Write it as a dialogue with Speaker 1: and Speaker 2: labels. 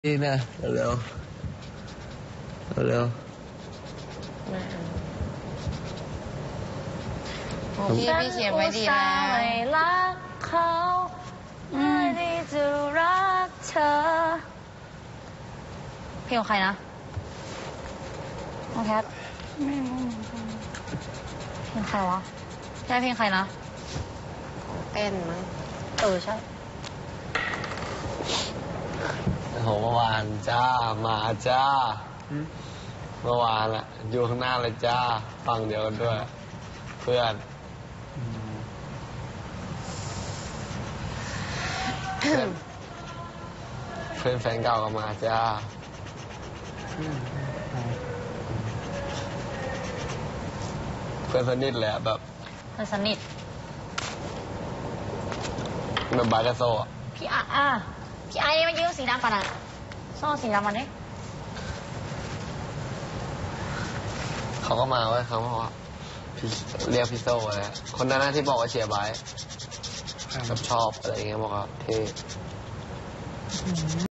Speaker 1: นี่นะเร็วเร็ว
Speaker 2: พี่เขียนไว้ดีแล้วไม่รักเขาไม่ได้จะรักเธอเพลงของใครนะน้องแคทไม่รู้เหมือนกันเพลงใครวะใช่เพลงใครนะเต้นมั้งใช่
Speaker 1: โหเมื่อวานจ้ามาจ้าเมื่อวานอะอยู่ข้างหน้าเลยจ้าฟังเดียวกันด้วยเพื่อนแฟนเก่าก็มาจ้าเพื่อนสนิทเลยอะแบบ
Speaker 2: เพื่อนสนิท
Speaker 1: แบบบาร์กาโซ่
Speaker 2: พี่พี่ไอ้มันยืมสีดำป่ะน่ะซ่อสีดำมันดิ
Speaker 1: เขาก็มาเว้ยเขาบอกว่าเรียกพี่โซ่อะไรคนนั้นที่บอกว่าเชียร์ไบค์ชอบอะไรเงี้ยบอกว่าเท่